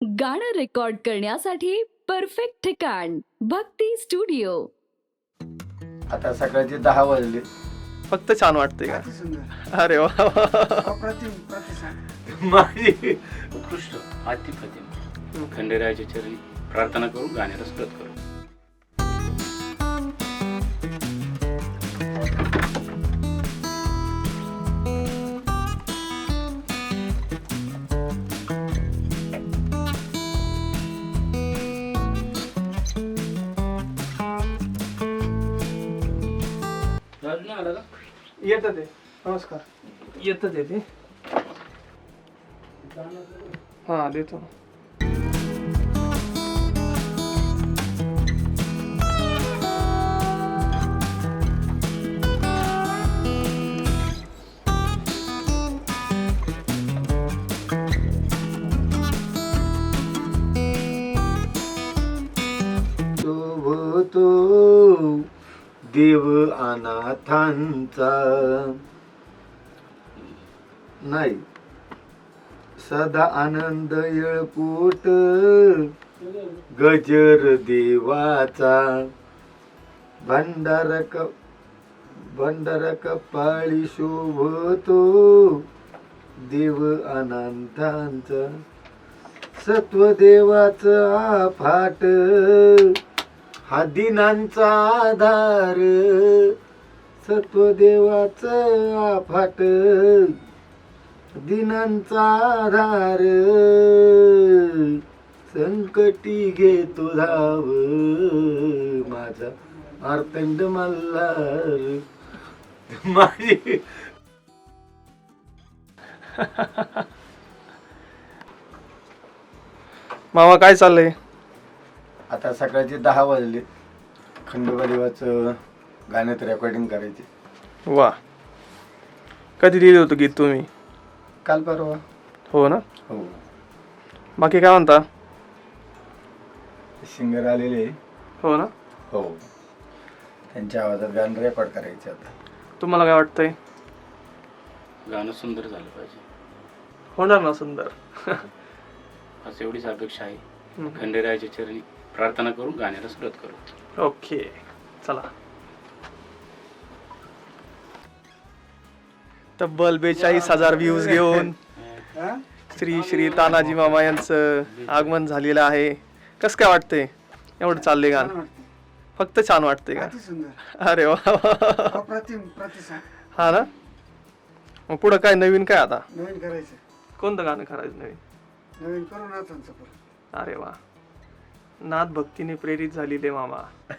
गाणं रेकॉर्ड करण्यासाठी परफेक्ट ठिकाण भक्ती स्टुडिओ. आता सकाळचे 10 वाजले. फक्त छान वाटते का? अरे वा माझी उत्कृष्ट अतिप्रतिम खंडेरायाच्या चरणी प्रार्थना करून गाण्याला सुरुवात करू. राजू नाही आला का? येतं ते. नमस्कार. येतं ते हा देतो. शोभतो देव अनाथांचा नाही सदा आनंद येळपोट गजर देवाचा भंडार कपाळी शोभतो देव अनाथांचा सत्वदेवाचा आफाट हा दिनांचा आधार सत्वदेवाचा आफाट दिनांचा आधार संकटी घेतो धाव माझा आर्तंड मल्हार माझी मामा काय चाललंय? आता सकाळचे 10 वाजले. खंडोबा देवाचं गाण्यात रेकॉर्डिंग करायचे. वा कधी लिहिलं होतं गीत तुम्ही? काल परवा. हो ना. हो बाकी काय म्हणता? सिंगर आलेले. हो ना. हो त्यांच्या आवाजात गाणं रेकॉर्ड करायचे. आता तुम्हाला काय वाटतंय? गाणं सुंदर झालं पाहिजे होणार ना सुंदर. असं एवढीच अपेक्षा आहे. खंडेरायाच्या चरणी प्रार्थना करून गाण्याला सुरुवात करू. ओके चला. तब्बल 42,000 व्ह्यूज घेऊन श्री श्री तानाजी मामा यांचं आगमन झालेलं आहे. कसं काय वाटतंय? एवढं चाललंय गाणं फक्त छान वाटतंय का? अरे वा हा ना. मग पुढं काय नवीन काय आता? नवीन करायचं. कोणतं गाणं करायचं नवीन? नवीन करू नाथांचं परत. अरे वा नाथ भक्तीने प्रेरित झालेले मामा.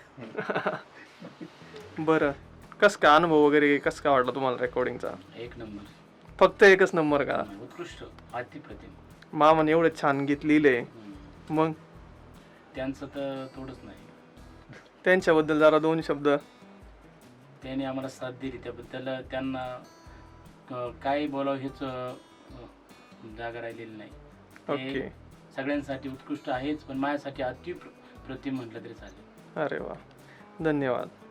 बरं कसं काय अनुभव वगैरे कसं काय वाटलं तुम्हाला रेकॉर्डिंगचा? एक नंबर. फक्त एकच नंबर का? उत्कृष्ट अतिप्रतिम. मामाने एवढं छान गीत लिहिले. मग त्यांचं तर थोडंच नाही. त्यांच्याबद्दल जरा 2 शब्द. त्यांनी आम्हाला साथ दिली त्याबद्दल त्यांना काय बोलावं हेच जागा राहिलेली नाही. ओके. ते सगळ्यांसाठी उत्कृष्ट आहेच पण माझ्यासाठी अतिप्रतिम म्हटलं तरी चालेल. अरे वा धन्यवाद.